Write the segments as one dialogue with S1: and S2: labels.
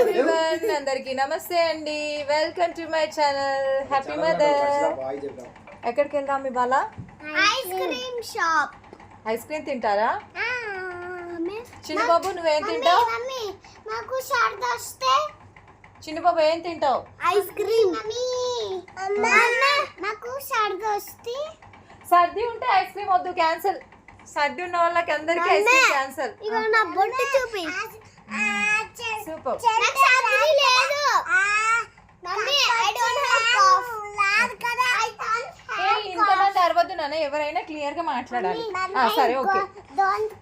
S1: Everyone, అందరికీ నమస్తే అండి. Welcome to my channel happy mother. ఎక్కడికి వెళ్దాం ఇవాళ?
S2: Ice cream shop.
S1: Ice cream తింటారా? చిన్న బాబు నువ్వేం తింటావు?
S2: నాకు సర్ది వస్తే
S1: చిన్న బాబు ఏం తింటావు?
S2: Ice cream. నాకు సర్ది వస్తే
S1: సర్ది ఉంటే ఐస్ క్రీమ్ వద్దు, క్యాన్సిల్. సర్ది ఉన్న వాళ్ళకి అందరికి ఐస్ క్రీమ్ క్యాన్సిల్.
S2: ఇగో నా బొట్టు చూపి.
S1: సూపర్.
S2: నాకు సర్ది లేదు mummy. I don't have cough. లాడ్ కదా ఐ డోంట్ హావ్.
S1: ఇంతమంది అరవద్దు నాన్న, ఎవరైనా క్లియర్ గా మాట్లాడాలి. సరే okay.
S2: Don't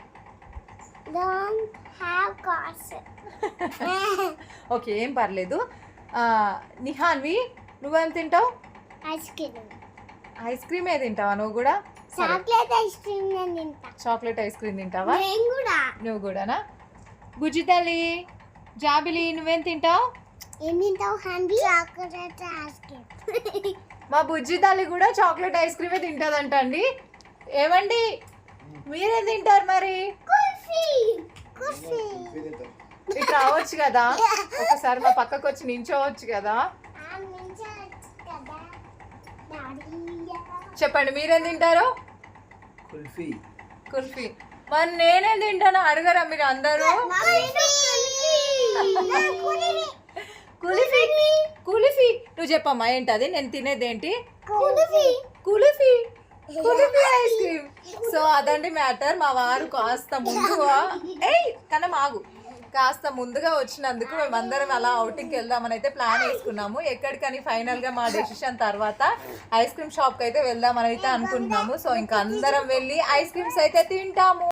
S2: have cough.
S1: Okay, ఏం పర్లేదు. నిహాన్వి, నువ్వేం తింటావు?
S2: Ice cream.
S1: ఐస్ క్రీమే తింటావా నువ్వు కూడా?
S2: చాక్లెట్ ఐస్ క్రీమ్ నేను తింటా.
S1: చాక్లెట్ ఐస్ క్రీమ్ తింటావా?
S2: నేను కూడా.
S1: నువ్వు కూడానా? బుజ్జి తల్లి, జాబిలి, నువ్వేం తింటావు?
S2: ఏం తింటావు హంబీ? Chocolate ice cream.
S1: మా బుజ్జి తల్లి కూడా చాక్లెట్ ఐస్ క్రీమే తింటుందంట అండి. ఏమండి, మీరేం తింటారు మరి?
S2: కుల్ఫీ. కుల్ఫీ.
S1: ఇటు రావచ్చు కదా, ఒకసారి మా పక్కకు వచ్చి నించోవచ్చు కదా. చెప్పండి, మీరేం తింటారు?
S3: కుల్ఫీ.
S1: కుల్ఫీ. మరి నేనేం తింటానో అడగరా మీరు అందరూ? కుల్ఫీ. కుల్ఫీ నువ్వు చెప్పమ్మా, ఏంటది? నేను తినేది ఏంటి?
S2: Kulfi.
S1: Kulfi. Kulfi ice cream. So అదండి మ్యాటర్. మా వారు కాస్త ముందుగా కాస్త ముందుగా వచ్చినందుకు మేమందరం అలా అవుటింగ్కి వెళ్దామని అయితే ప్లాన్ వేసుకున్నాము. ఎక్కడికని ఫైనల్గా మా డెసిషన్ తర్వాత ఐస్ క్రీమ్ షాప్కి అయితే వెళ్దామని అయితే అనుకుంటున్నాము. సో ఇంకా అందరం వెళ్ళి ఐస్ క్రీమ్స్ అయితే తింటాము.